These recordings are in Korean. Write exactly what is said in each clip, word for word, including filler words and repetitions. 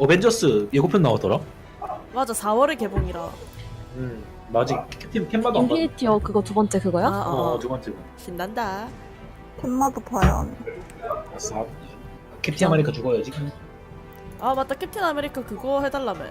어벤져스 예고편 나오더라. 맞아 사월에 개봉이라. 음, 나 아직 캡틴 캔마도 안 봤어. 인피니티어 그거 두 번째 그거야? 아, 어, 어, 두 번째. 신난다. 캔마도 봐야 하네. 아싸. 캡틴 아메리카 죽어야지. 아 맞다 캡틴 아메리카 그거 해달라며.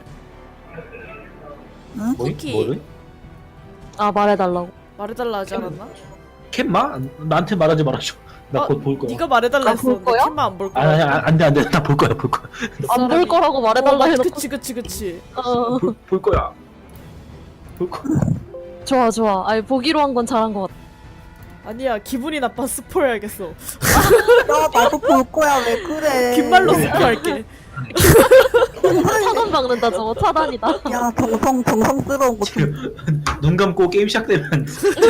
응? 뭐이? 쿠키. 뭐를? 아 말해달라고. 말해달라 하지 않았나? 캔마? 나한테 말하지 말아줘. 나 어, 곧 볼 거야. 네가 말해달라 아, 했어. 볼 거야? 캔만 안 볼 아, 거야. 아, 안 돼, 안 돼. 나 볼 거야, 볼 거야. 안 볼 거라고 말해달라 어, 맞- 해놓고. 그치 그치 그치. 어, 볼, 볼 거야. 볼 거야. 좋아 좋아. 아니 보기로 한 건 잘한 것 같아. 아니야 기분이 나빠 스포해야겠어. 야, 나도 볼 거야. 왜 그래? 귓말로 스포할게. 차단 박는다 저거 차단이다. 야, 정성, 정성스러운 거 좀. 지금 눈 감고 게임 시작되면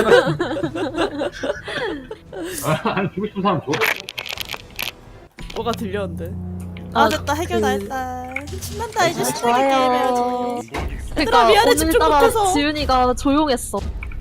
아, 주고 싶은 사람 줘. 뭐가 들렸는데. 아 됐다 해결 다 그- 했다. 신난다 이제 신나게 좋아요. 게임해야지. 그러니까 미안해, 집중 오늘따라 못해서. 지윤이가 조용했어.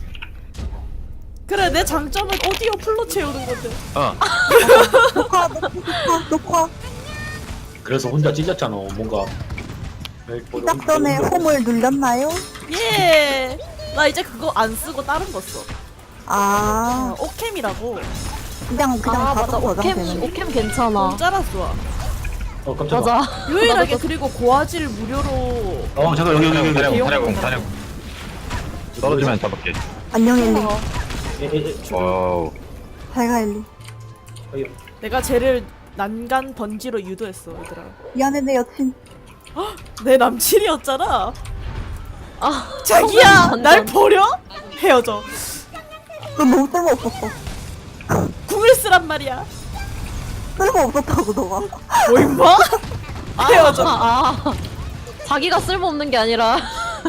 그래 내 장점은 오디오 풀로 채우는 건데. 녹화, 녹화, 녹화. 그래서 혼자 찢었잖아. 뭔가 시작 전에 홈을 눌렸나요? 예. 나 이제 그거 안 쓰고 다른 거 써. 아, 어, 오캠이라고. 그냥, 그냥 아 맞아 자동 오캠 저장되는. 오캠 괜찮아. 공짜라 좋아. 어 깜짝아. 맞아. 유일하게 나도 그리고 고화질 무료로. 어 잠깐 여기 여기 여기. 여기. 대용 사려공 공짜라고. 사려공 떨어지면 잡을게. 안녕, 엘리. 에, 에, 에. 와우. 잘 가, 엘리. 여기. 내가 쟤를 난간 번지로 유도했어 얘들아. 미안해, 내 여친. 내 남친이었잖아. 아 자기야 완전. 날 버려? 헤어져. 넌 너무 쓸모없었어. 궁을 쓰란 말이야. 쓸모없었다고, 너가. 뭐 임마? 헤어져. 아, 아. 자기가 쓸모없는 게 아니라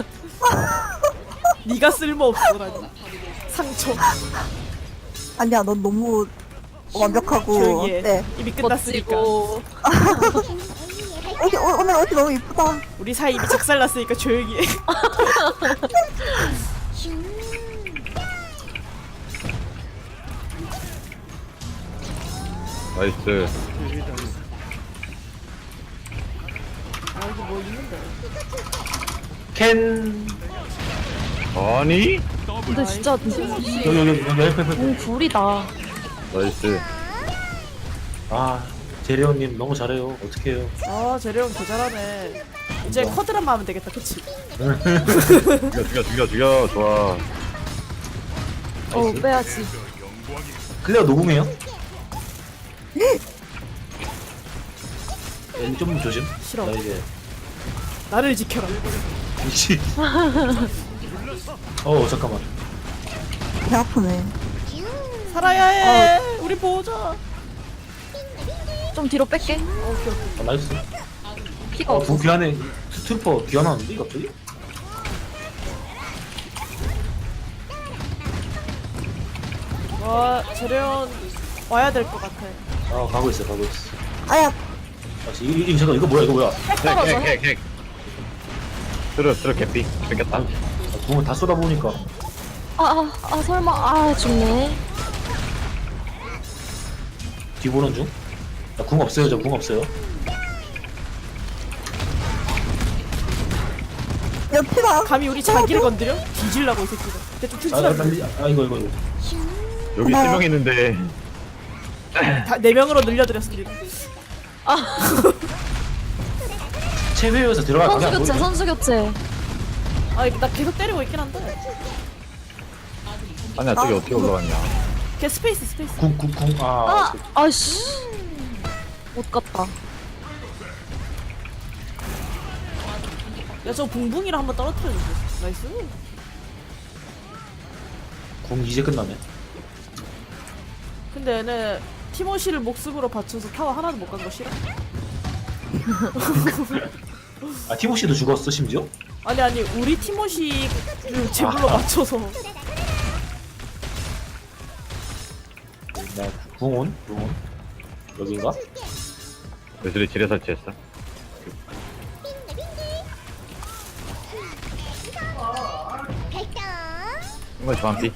네가 쓸모없어라니. 상처. 아니야, 넌 너무 완벽하고. 조용히 해. 네. 이미 끝났으니까. 멋지고. 옷이, 오, 오늘 옷이 너무 이쁘다. 우리 사이 이미 작살났으니까 조용히 해. 나이스. 아 여기 뭐 있는데. 캔. 아니? 근데 진짜 여기 여기 여기 옆에 옆에. 공 불이다. 나이스. 아 재래원님 너무 잘해요. 어떡해요. 아 재래형 개 잘하네. 이제 뭐? 쿼드란만 하면 되겠다 그치? 죽여 죽여 죽여 죽여. 좋아. 어 빼야지. 클레어 노궁해요? 여기 좀 조심. 싫어. 나 이제 나를 지켜라. 미치. 어 잠깐만. 배 아프네. 살아야 해. 우리 보자. 좀 뒤로 뺄게. 아, 나이스. 피가 어, 없어. 부 귀환에 스트루퍼 귀환하는데 갑자기? 와 재래형 와야 될 것 같아. 아 가고 있어 가고 있어. 아야, 아, 이, 이, 이 잠깐 이거 뭐야 이거 뭐야? 떨어져. 객객객. 들어 들어 개피. 뺏겼다. 아, 궁을 다 쏟아보니까 아, 아, 아 설마 아 죽네. 뒤보는 중? 나 궁 없어요 저 궁 없어요. 여친아. 감히 우리 자기를 건드려? 뒤질라고 이 새끼가. 대충 아, 나, 나, 튼튼하게. 아 이거 이거 이거. 여기 고마워. 세 명 있는데. 다네 명으로 늘려드렸습니다. 체회에서 들어갈 선수 방이 안 교체 보이네. 선수 교체. 아 이거 나 계속 때리고 있긴 한데. 아니야 저기 어떻게 올라갔냐. 걔 스페이스 스페이스. 궁궁궁 아. 아 아씨 못 갔다. 야 저 붕붕이랑 한번 떨어뜨려주세요. 나이스. 궁 이제 끝나네. 근데 얘네 티모시를 목숨으로 바쳐서 타워 하나도 못 간 거 싫어? 아 티모시도 죽었어 심지어? 아니 아니 우리 티모시를 제물로 아. 맞춰서. 나 궁온 궁온 여긴가? 예술이 지뢰 설치했어. 이거 저한피.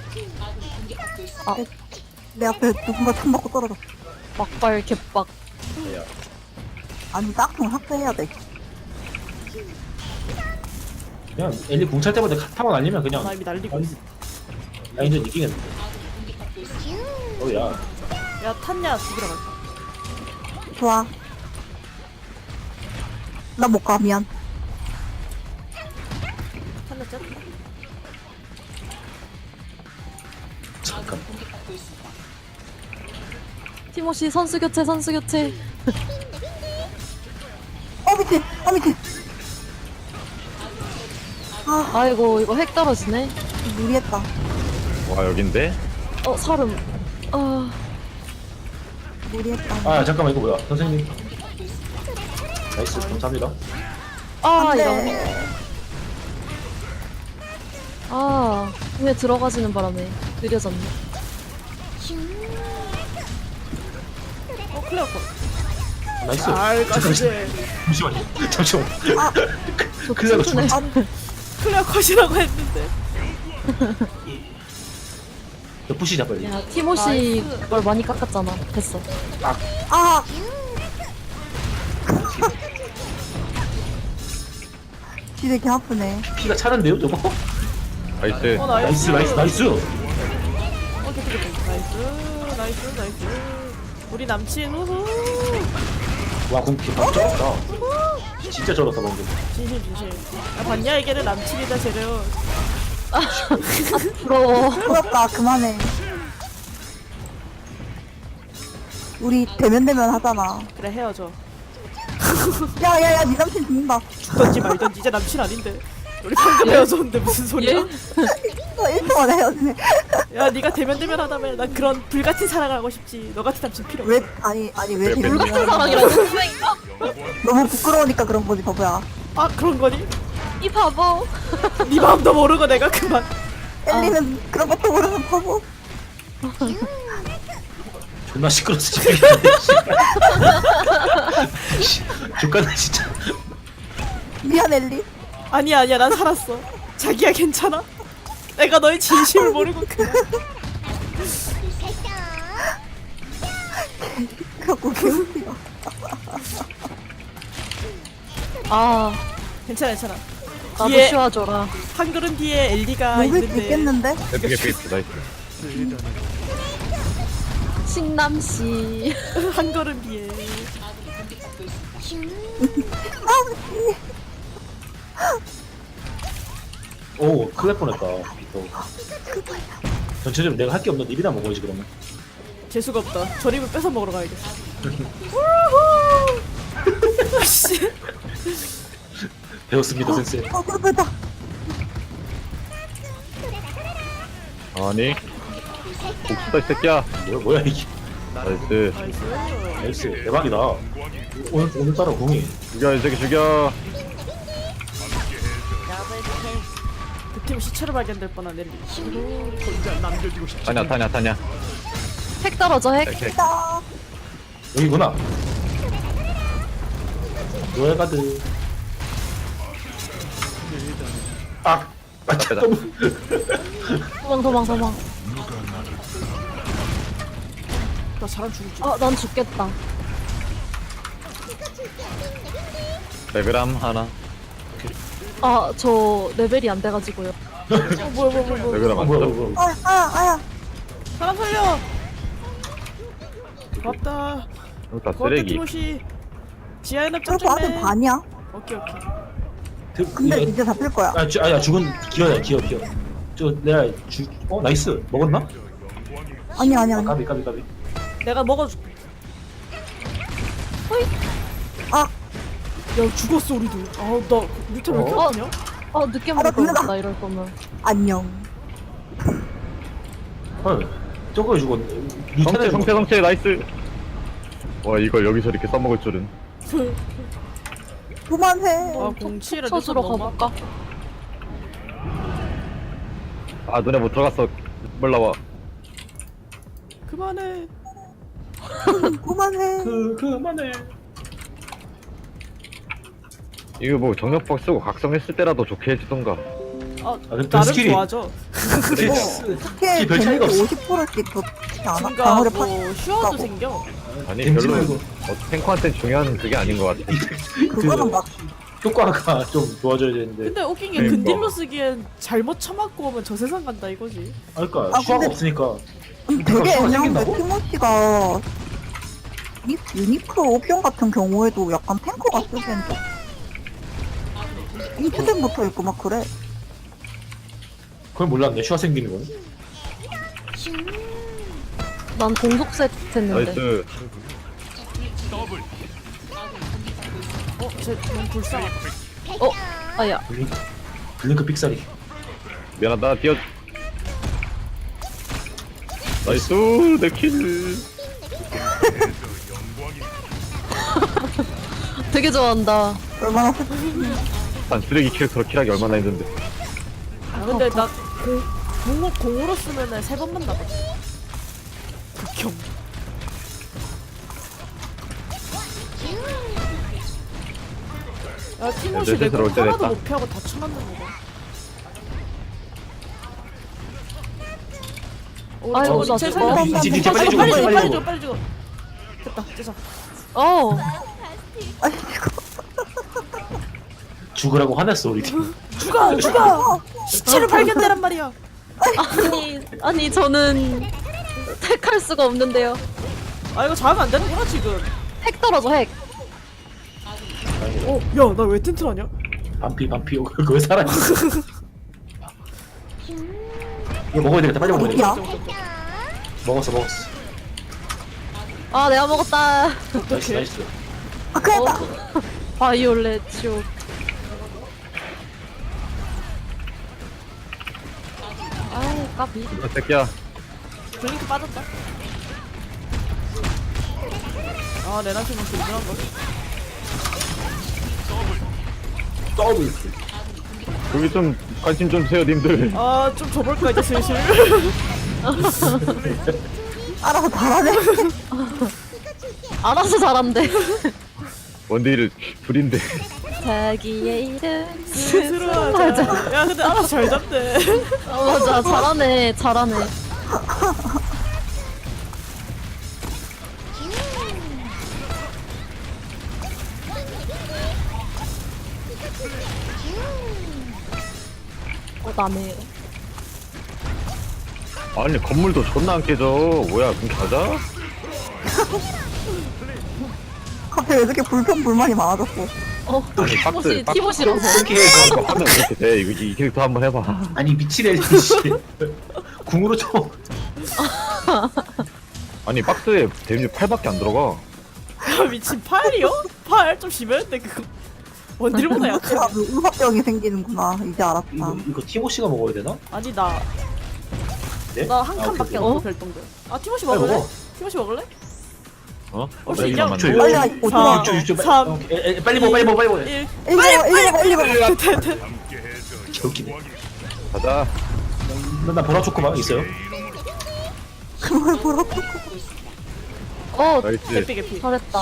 내 앞에 누군가 참 맞고 떨어졌어. 막발 개빡. 야, 아니 짝퉁 삭제해야 돼. 그냥 엘리 궁찰 때마다 타고 날리면 그냥 나 이미 날리고 있어. 라인전 이기겠는데. 어야, 야 탔냐 죽이러 갈까? 좋아. 나 못 가, 미안. 탔냐 쨌다. 잠깐. 티모시 선수 교체 선수 교체. 어, 미친! 어, 미친! 아, 아이고 이거 핵 떨어지네. 무리했다. 와 여긴데? 어 사름. 아 무리했다. 아 잠깐만 이거 뭐야, 선생님. 나이스, 감사합니다. 아, 안 이런. 돼. 아, 왜 들어가지는 바람에 느려졌네. 어 클레어 컷. 나이스. 잘 잠깐만, 가시지. 잠시만요. 잠시만. 아, 저 클레어가 튼튼해. 죽었어. 아니, 클레어 컷이라고 했는데. 너 푸시자 빨리. 야, 티모시 걸 많이 깎았잖아. 됐어. 아! 진짜 개 아프네. 피가 차는데요, 저거? 나이스. 어 나이스, 나이스. 나이스, 나이스. 어 됐다 됐다. 나이스 나이스 나이스. 우리 남친 우후. 와, 궁피 너무 쩔었다. 진짜 쩔었다 방금. 진실 진실. 야 봤냐 이게는 남친이다 쟤는. 부러워. 부럽다, 그만해. 우리 대면대면 하잖아. 그래 헤어져. 야, 야, 야, 니 남친 죽는다. 죽던지 말던지 이제 남친 아닌데. 우리 방금 헤어졌는데 무슨 소리야? 어, 일 초 만에 헤어지네. 야 네가 대면 대면 하다며. 난 그런 불같은 사랑을 하고 싶지. 너 같은 남친 필요 없어. 왜, 아니, 아니, 왜 왜, 왜 대면대면 사랑이라고. 너무 부끄러우니까 그런 거지, 바보야. 아 그런 거니? 이 바보. 네 마음도 모르고 내가 그만. 엘리는 그런 것도 모르는 바보. 존나 시끄러워서 지금. 족가네 진짜. 미안, 엘리. 아니야 아니야 난 살았어. 자기야 괜찮아? 내가 너의 진심을 모르고 그만. 그래갖고 개웃기다. 아, 괜찮아 괜찮아. 나도 뒤에 쉬어줘라. 한 걸음 뒤에 엘리가 목을 있는데. 뱉겠는데? 예쁘게 피했어. 나이스. 싱남씨. 한 걸음 뒤에. 오, 큰일 날 뻔했다. 또. 전체적으로 내가 할 게 없는 입이나 먹어야지 그러면. 재수가 없다. 저립을 뺏어 먹으러 가야겠어. 우후. 씨. 배웠습니다, 센세. 어, 그렇다. 아니. 복수다 이 새끼야. 뭐야, 뭐야 이게. 나이스. 나이스. 나이스, 대박이다. 오늘 오늘따라 공이. 죽여 이 새끼 죽여. 득템 시체로 발견될 뻔한 엘리. 타냐 타냐 타냐. 핵 떨어져 핵. 오케이. 딱. 여기구나. 노예가드. 아, 아, 앞에다. 잠깐만. 도망 도망 도망. 나 사람 죽을 줄. 아, 난 죽겠다. 레그람 하나. 아, 저 레벨이 안 돼가지고요. 어, 뭐야 뭐야 뭐야 뭐야. 레그람 아, 안 뭐야, 써. 뭐야. 아, 아야, 아야. 사람 살려. 고맙다. 여기다 고맙다 쓰레기. 티모시. 지하에 납 그래도 아직 짱짱맨. 반이야. 오케이 오케이. 그, 근데 이게- 이제 잡힐 거야. 아, 주, 아야 죽은 기어야, 기어, 기어. 저 내가 주, 어 나이스 먹었나? 아니, 아니, 아, 아니. 까비, 까비, 까비. 내가 먹어줄게. 아, 야 죽었어 우리도. 아우 나 밑에 왜 이렇게 어? 아프냐? 어, 늦게 아, 나 먹을 죽는다. 거였다 이럴 거면. 안녕. 헐, 저거 죽었네. 성체 루테네 성체 성체 나이스. 와 이걸 여기서 이렇게 써먹을 줄은. 그만해. 아 공치를 쳐주러 가볼까? 아 눈에 못 들어갔어. 몰라와. 그만해. 그만해. 그 그만해. 이거 뭐 정력박 쓰고 각성했을 때라도 좋게 해주던가. 아 아, 근데 나름 스킬이- 좋아져. 스킬, 어떻게 별 차이가 데미지 없어. 오십 퍼센트씩 더 않아? 증가 방어를 파 뭐 슈어도 생겨. 아니 겐지 별로 말고 어, 탱커한테 중요한 그게 아닌 것 같아. 그거는 막 효과가 좀 좋아져야 되는데. 근데 웃긴 게 네, 근딜로 뭐. 쓰기엔 잘못 쳐맞고 오면 저 세상 간다 이거지. 아, 그러니까 아, 슈아가 근데- 없으니까. 음, 되게 효과가 애매한데 생긴다고? 티모시가 이 유니크 옵션 같은 경우에도 약간 탱커가 쓰기엔 좀 인투된부터 있고 막 그래. 그걸 몰랐네. 슈아 생기는 건. 난 공속 세트 했는데. 나이스. 어, 쟤 너무 불쌍하다. 어, 아야. 블링크, 블링크 삑사리. 미안하다. 뛰어. 나이스 내 킬. 되게 좋아한다. 얼마나 난 쓰레기 캐릭터로 킬하기 얼마나 힘든데. 아, 근데 나 공, 공으로, 공으로 쓰면은 세 번만 남아. 극혐. 야, 티모시 내 내 스스로 공 올 때 하나도 됐다. 못 피하고 다 쳐맞는 거다. 어, 아이고, 저거 나 제 저거. 살려. 뒤, 뒤, 뒤, 빨리 빨리 죽어, 빨리 빨리 죽어, 빨리 죽어. 죽어, 빨리 죽어. 됐다, 됐어. 어. 아니 이거 죽으라고 화냈어 우리 팀. 죽어, 죽어. 시체를 발견되란 말이야. 아니, 아니, 저는 택할 수가 없는데요. 아, 이거 잡으면 안 되는구나 지금. 핵 떨어져, 핵. 어, 야, 나 왜 텐트하냐? 반피 반피. 그거 왜 살아있어? 이거 먹어야 되겠다. 빨리 먹어야 되겠다. 어디야? 먹었어 먹었어. 아, 내가 먹었다. 나이스 나이스. 아 큰일 났다. 어. 바이올렛 쇼. 아이, 까비. 이 새끼야. 블링크 빠졌다. 아, 레나팀은 든든한 거. 더블. 여기 좀 관심 좀 주세요 님들. 아, 좀 줘볼까 이제 슬슬. 알아서 잘하네. 알아서 잘한대. 원딜을 불인데. 자기의 이름 스스로 하자. 맞아. 야, 근데 알아서 잘 잡네. 어, 맞아. 잘하네. 잘하네. 어, 나네. 아니 건물도 존나 안 깨져. 뭐야 그럼 가자? 갑자기 왜 이렇게 불평 불만이 많아졌어? 어, 아니 박스 티모시, 박스 티모시라서. 이렇게 해서 이거 하면 이렇게 돼. 이거 이 캐릭터 한번 해봐. 아니 미치래 씨. 궁으로 쳐. 아니 박스에 데미지 팔밖에 안 들어가. 야, 미친 팔이요? 팔? 좀 심했는데 그거. 원딜보다 약해. 제가 의사병이 생기는구나. 이제 알았다. 이거 이거 티모시가 먹어야 되나? 아니, 나. 네? 나 한 아, 칸밖에 오케이, 없어, 어? 별똥별. 아, 티모시 빨리 먹을래? 먹어. 티모시 먹을래? 어? 올 수 나 있냐? 이거만 저 만들어. 빨리 와. 사, 육 초 육 초 삼, 오케이. 에, 에, 빨리 먹어 빨리 먹어 빨리 먹어. 일. 일번 일번 일번 개웃기네. 가자. 나 보라 초코바 있어요? 그걸 보라고. 어, 나이스. 개피, 개피. 잘했다.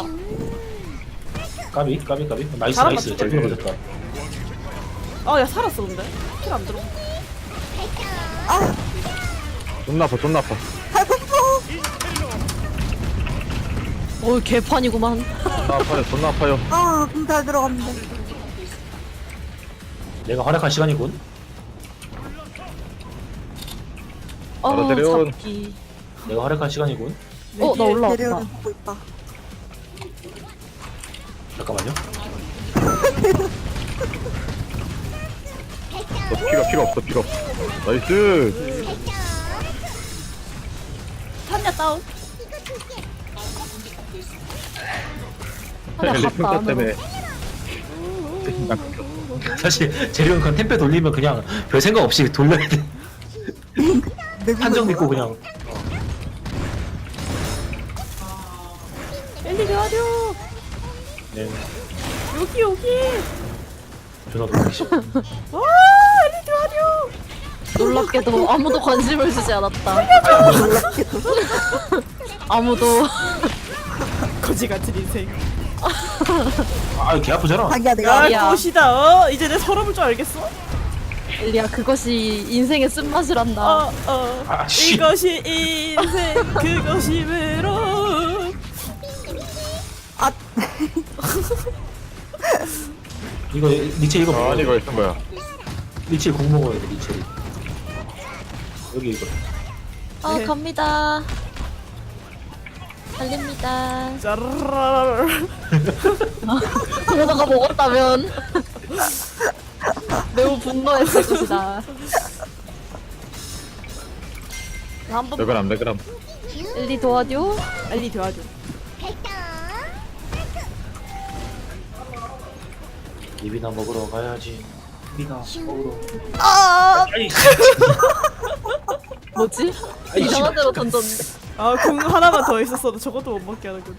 까비 까비 까비. 나이스 잘한다, 나이스. 진짜. 잘 들어맞았다. 아, 야, 살았어, 근데. 킬 안 들어. 존나 아파 존나 아파. 어, 개판이구만. 존나 아파요 존나 아파요. 아, 그럼 잘 들어갔는데. 내가 활약할 시간이군. 어, 알아들여. 잡기. 내가 활약할 시간이군. 어, 나 올라왔다. 재료를 보고 있다. 잠깐만요. 너 피가 필요 없어 필요 없어. 나이스. 탄야 다운. 하나 갔다 평가 안으로. 때문에. 사실 재료는 그냥 템페 돌리면 그냥 별 생각 없이 돌려야 돼. 한정 믿고 그냥. 엘리 가려. 네. 여기, 여기. 전화 돌리기 싫어. 와, 엘리 가려. 놀랍게도 아무도 관심을 주지 않았다. 아무도. 거지 같은 인생. 아, 개 아프잖아. 자기야 내가 야, 야. 꽃이다. 어? 이제 내 서러울 줄 알겠어? 엘리야 그것이 인생의 쓴맛이란다. 어, 어. 아, 씨. 이것이 인생, 그것이 외로움. 아, 이거 리첼 이거 아, 먹어야 아니 돼. 이거 있던 거야. 리첼 공 먹어야 돼 리첼. 여기 이거. 아 네. 갑니다. 달립니다. 짜르르르. 그러다가 먹었다면 매우 분노했을 것이다. 한번 레그람 레그람. 엘리 도와줘. 엘리 도와줘. 입이나 먹으러 가야지. 입이나 먹으러. 아, 아니, 뭐지? 아이, 이상한 씨발. 데로 던졌는데. 아, 궁 하나만 더 있었어도 저것도 못 먹게 하는군.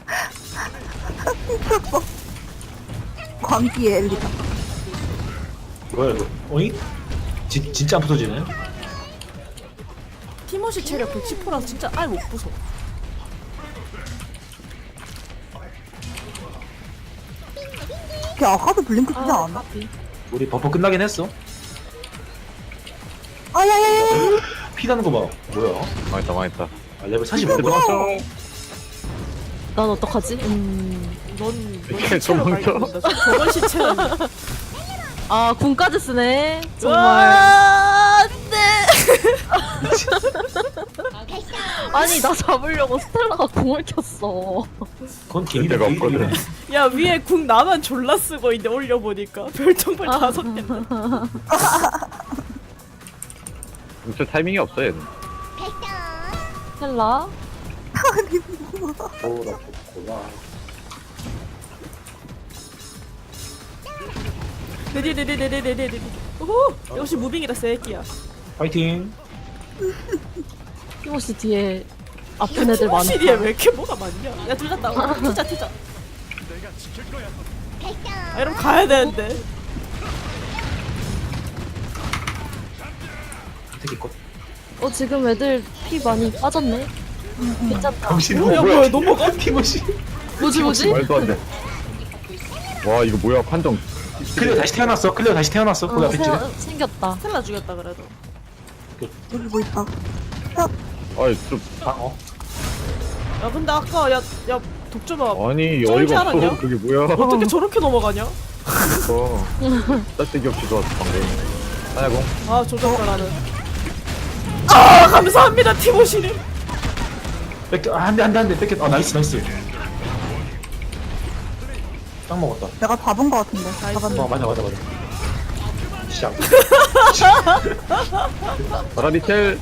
광기의 엘리다. 뭐야 이거? 어이? 진 진짜 안 부서지네. 티모시 체력 백십 퍼센트라서 진짜 아예 못 부숴. 걔 아까도 블링크 쓰지 아, 않았나? 까비. 우리 버퍼 끝나긴 했어. 아야야야야. 피 나는 거 봐. 뭐야? 망했다 망했다. 아, 레벨 사십오. 도망쳐. 난 어떡하지? 음. 넌, 넌 이렇게 시체로 도망쳐? 발견된다. 저건 시체는. 아 군까지 쓰네. 정말. 와, 네. 아니 나 잡으려고 스텔라가 궁을 켰어. 그건 개인 데가 없거든. 야, 위에 궁 나만 졸라 쓰고 있는데 올려보니까 별똥별 아. 다섯 개인데. 진짜 타이밍이 없어 얘는. 스텔라. 오나 좋구나. 네네네네네네네네. 오호, 역시 무빙이라 새끼야. 파이팅. 티모시 뒤에 아픈 애들 많아. 티모시리에 왜 이렇게 뭐가 많냐? 야, 둘다 나와. 튀자, 튀자. 아, 이러면 가야 되는데. 되게 것. 어 지금 애들 피 많이 빠졌네. 괜찮다. 당신 뭐야, 뭐야, 넘어가? 티모시. 뭐지 뭐지? 말도 안 돼. 와 이거 뭐야 판정. 클리어 다시 태어났어. 클리어 다시 태어났어. 거기 어, 앞에 있지. 새- 생겼다. 스텔라 죽였다 그래도. 여기 뭐 있다. 아이 좀 아 어. 야, 근데 아까 야, 야, 독주봐. 아니 쩔지 어이가 않았냐? 없어. 그게 뭐야? 어떻게 저렇게 넘어가냐? 어. 짤데기 없이 좋았어 방금. 하야공. 아, 조정가라는. 아, 감사합니다, 티모시님. 뺏겨. 아, 한대 한 대 한 대 뺏겼. 아 나이스 나이스. 딱 먹었다. 내가 잡은 거 같은데. 잡았네. 어 맞아 맞아 맞아. 시작. 바라리첼.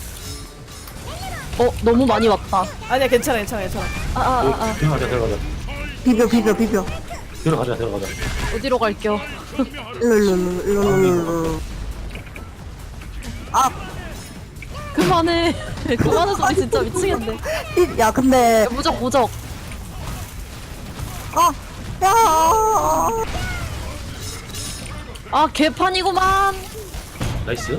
어 너무 많이 왔다. 아니야, 괜찮아, 괜찮아, 괜찮아. 아아아 아, 아. 들어가자 들어가자. 비벼 비벼 비벼. 들어가자 들어가자. 어디로 갈겨? 일로 일로 일로 일로 일로 일로. 아, 그만해. 그만해 소리 진짜 미치겠네. 이- 야 근데 야, 무적 무적. 아, 야. 아 개판이구만. 나이스.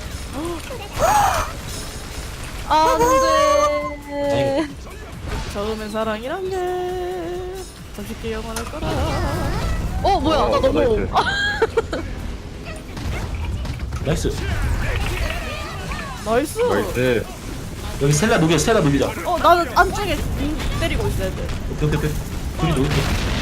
아, 안돼. 처음엔 사랑이란 게 잠시 영원할 거라. 어 뭐야 나 너무. 나이스. 나이스. 나이스. 나이스. 여기 스텔라 녹여 스텔라 녹이자. 어, 나는 안쪽에 빙 때리고 있어야 돼. 오케이 오케이 오케이. 둘이 녹일게.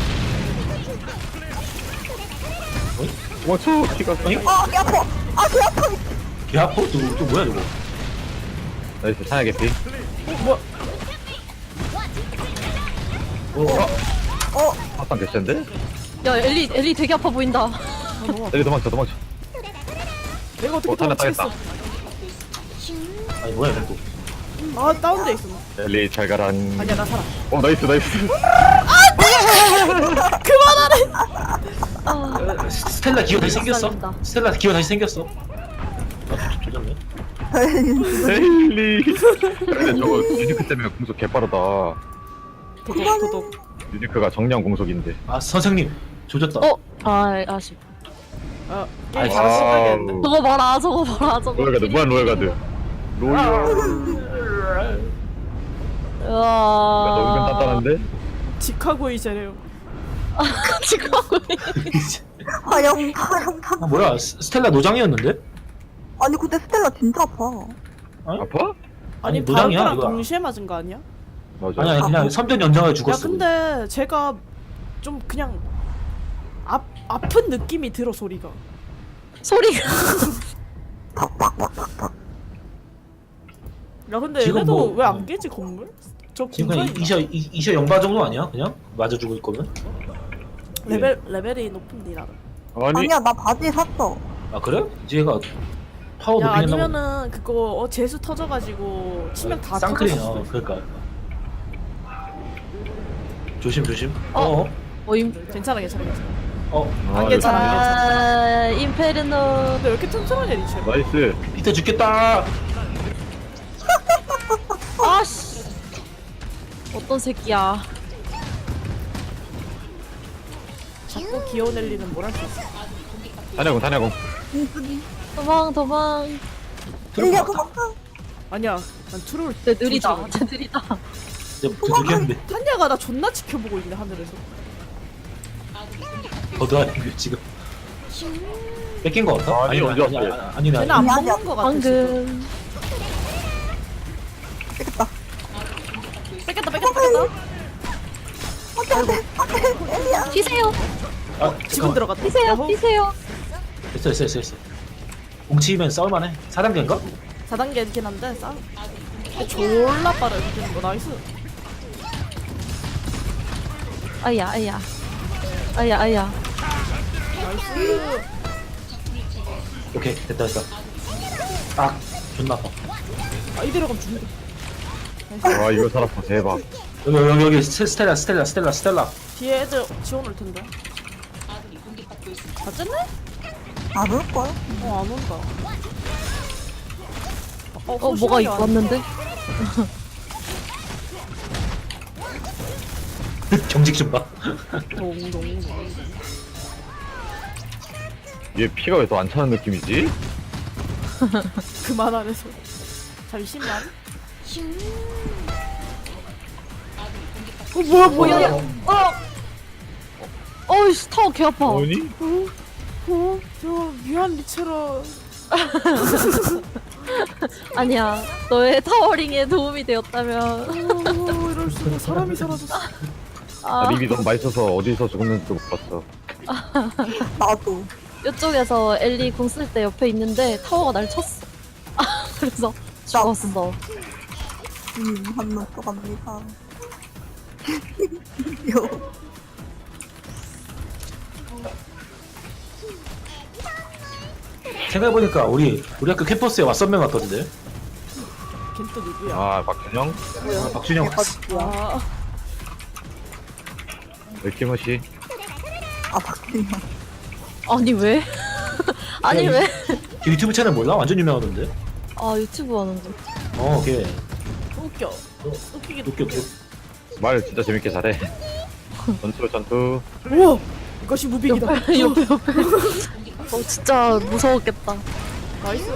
도망쳐. 키가 까. 아, 개 아파. 아, 개 아파. 개 아파? 또, 또 뭐야 저거? 나이스 타야 개피. 어, 뭐야? 어. 어, 아빠 개센데? 야 엘리 엘리 되게 아파 보인다. 아, 너무 아파. 내리 도망쳐 도망쳐. 내가 어떻게 어, 타나 도망치겠어? 따겠다. 아니 뭐야 이거? 아, 다운돼 있어. 엘리 잘 가란. 아니야, 나 살아. 어 나이스 나이스. 아, 어, 스텔라 기어 다시 생겼어? 살린다. 스텔라 기어 다시 생겼어? 아, 조- 조졌네. 엘리. 근데 저거 유니크 때문에 공속 개빠르다. 도독, 도독. 유니크가 정량 공속인데. 아 선생님 조졌다. 어, 아 아쉽. 아, 아이, 게임 잘못 시작했는데. 와우. 저거 봐라, 저거 봐라, 저거. 로얄 가드 무한 로얄 가드. 로얄. 우와. 나 은근 단단한데? 직하고 이제래요. 같이 가고 화영 화영 아, 뭐야 스- 스텔라 노장이었는데? 아니 근데 스텔라 진짜 아파. 아파? 아니, 아니 노장이야, 바울이랑 이거. 동시에 맞은 거 아니야? 맞아. 아니 아니 그냥 섬전 연장을 야 죽었어. 근데 제가 좀 그냥 아, 아픈 느낌이 들어 소리가. 소리가 야 근데 지금 얘네도 뭐- 왜 안 깨지 건물? 저 지금 그냥 공간이 이셔 이- 이셔 영바 정도 아니야? 그냥 맞아 죽을 거면? 레벨 레벨이 높은데 나는. 아니, 아니야 나 바지 샀어. 아 그래? 이제 얘가 파워 야 높이겠나 아니면은 그거 어, 재수 터져가지고 치명 다 쌍크림 터졌을 어 수도 그러니까 조심 조심. 어. 어어 모임 있어. 괜찮아 괜찮아 괜찮아. 어. 안 아, 괜찮아 안 괜찮아. 아 인페르노 근데 왜 이렇게 튼튼하냐 리체. 나이스. 피터 죽겠다. 아씨 어떤 새끼야 자꾸 귀여운 엘리는 뭘 할 수 있어. 다냐공, 다냐공. 도망 도망 엘리야 도망가. 아니야 난 트롤. 쟤 느리다 쟤 느리다 이제 그 죽겠는데. 한야가 나 존나 지켜보고 있네 하늘에서. 버드하는 지금. 뺏긴 거 같아? 아니, 언제 아니 왔어요? 아니 아니 쟤는 아니. 안 아니, 먹는 거 같아 지금. 방금 되겠다. 뺏겼다 뺏겼다 뺏겼다. 안돼 안돼 엘리야. 뛰세요 아 지금 지금 들어갔다. 뛰세요 야호. 뛰세요 됐어 됐어 됐어 됐어. 뭉치면 싸울만해. 사 단계인가? 사 단계이긴 한데 싸. 근데 졸라 빠르 이기는 거 나이스. 아야 아야 아야 아야 나이스. 오케이 됐다 됐다. 아 존나 아파. 아 이대로 가면 죽는다. 와, 이거 살았어. 대박. 여기 여기 여기 스- 스텔라 스텔라 스텔라 스텔라. 뒤에 애들 지원 올 텐데. 다 쨌네? 안 올 거야? 어 안 온다. 어, 어 뭐가 소심하게 입고 안- 왔는데 경직 좀 봐. 동동동. 얘 피가 왜 더 안 차는 느낌이지? 그만 안 해서. 잠시만. 어 뭐야 뭐야. 어 어이씨 타워 개 아파 뭐니? 어? 저 미안 리체라. 아니야 너의 타워링에 도움이 되었다면 어 이럴 수가. 사람이 사라졌어. 아 아, 립이 너무 맛있어서 어디서 죽었는지도 못 봤어. 나도. 이쪽에서 엘리 궁 쓸 때 옆에 있는데 타워가 날 쳤어 아 그래서 죽었어 음 한명 또 갑니다. 요. 생각해보니까 우리 우리 학교 캠퍼스에 왓썸맨 왔던데. 걘 또 누구야? 아, 박준영? 아, 박준영 왔어. 아, 웰키머시. 아 박준영. 아니 왜? 아니 야, 왜? 걔 유튜브 채널 몰라? 완전 유명하던데. 아 유튜브 하는데 어, 걔 웃겨. 웃기게 웃겨 웃겨. 말 진짜 재밌게 잘해. 전투, 전투. 우와! 이것이 무빙이다. 옆에 옆에 옆에 어 진짜 무서웠겠다 나이스.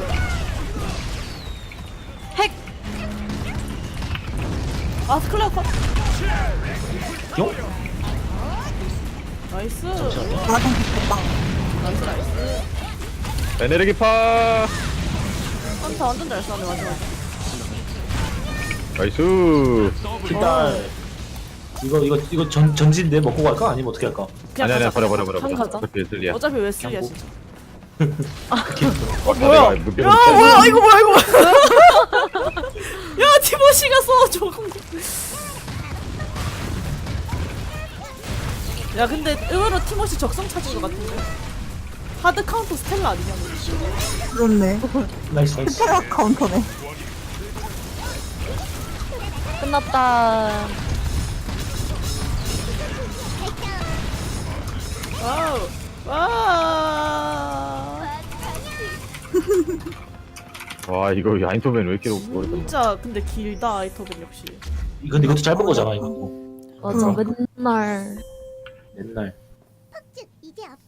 핵! 아, 스클레어 컷. 용? 나이스. 잠시만요. 나좀 좋겠다. 나이스, 나이스. 에네르기파! 한타 완전 잘 쏘네, 마지막에. 나이스! 일단 이거 이거 이거 전 전진데 먹고 갈까? 아니면 어떻게 할까? 그냥 아니, 아니, 가자. 버려, 버려, 버려. 한 버려. 가자. 어차피 예슬리야. 어차피 웨슬리야, 그냥 진짜. 어, 뭐야? 야, 야, 뭐야, 이거 뭐야, 이거 뭐야. 야, 티모시가 써, 저거. 야, 근데 의외로 티모시 적성 찾은 것 같은데? 하드 카운터 스텔라 아니냐, 너. 그렇네. 나이스 나이스. 스텔라 카운터네. 끝났다 와우. 와. 와, 이거 아인토맨 왜 이렇게 오래 걸려? 진짜 근데 길다 아이터벤 역시. 이건 이것도 짧은 거잖아 이거. 맞아 응. 맨날 옛날. 퍽즉 이제 없어.